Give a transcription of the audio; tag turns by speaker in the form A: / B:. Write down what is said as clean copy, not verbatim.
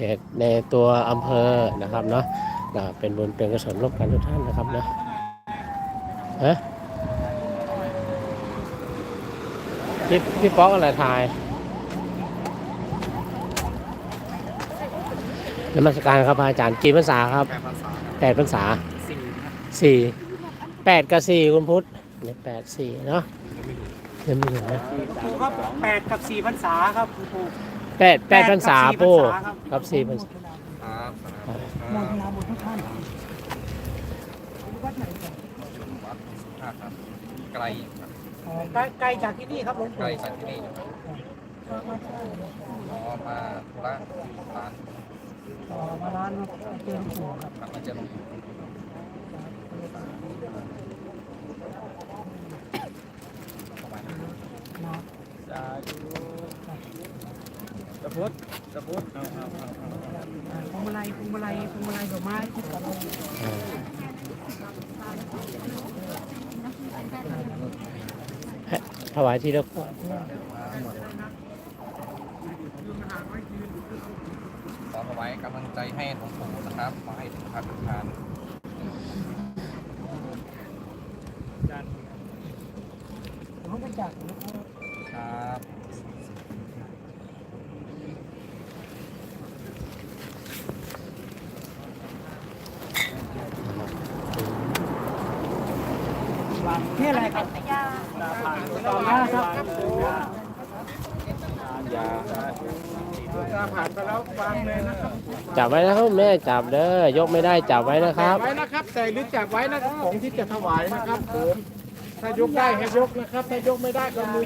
A: ตุในตัวอำเภอนะครับเนาะเป็นบุญเป็นกุศลร่วมกันทุกท่านนะครับนะฮะพี่ป๊อกอะไรทายนมัสการครับอาจารย์กี่พรรษาครับ8 พรรษา4 8 กับ 4คุณพุทธเนี่ย8 4เนาะยังไม่ถึงนะ
B: ครูครับ8 กับ 4 พรรษาครับครู
A: 8 พรรษาปู่กับ4 พรรษา
C: ครับ
B: โมทนาบุญทุกท่าน
C: วัดครับไกลครับ
B: ไกลจากที่นี่ครับหลวง
C: ไกล
B: ปู่
C: จากที่นี่นะครับอ๋อมาธุระร้าน
B: มาร้านเจริญปู่ครับ
C: ครับมาเจอหลวงปู่จะพุทธ
B: พวงมาลัยดอกไม้
A: ถวายที่ละ
C: ขอถวายกำลังใจให้หลวงปู่นะครับขอให้ทุกท่านทุกท่าน
B: ผมไปจาก
C: ครับ
B: นี่อะไรครับต่อมาครับผ่านไปแล้ววางเลยนะครับ
A: จับไว้นะครับแม่จับเด้อยกไม่ได้จับไว้นะครับ
B: ไว้นะครับแต่ลึกจับไว้นะครับของที่จะถวายนะครับผมถ้ายกได้ให้ยกนะครับถ้ายกไม่ได้ก็มือ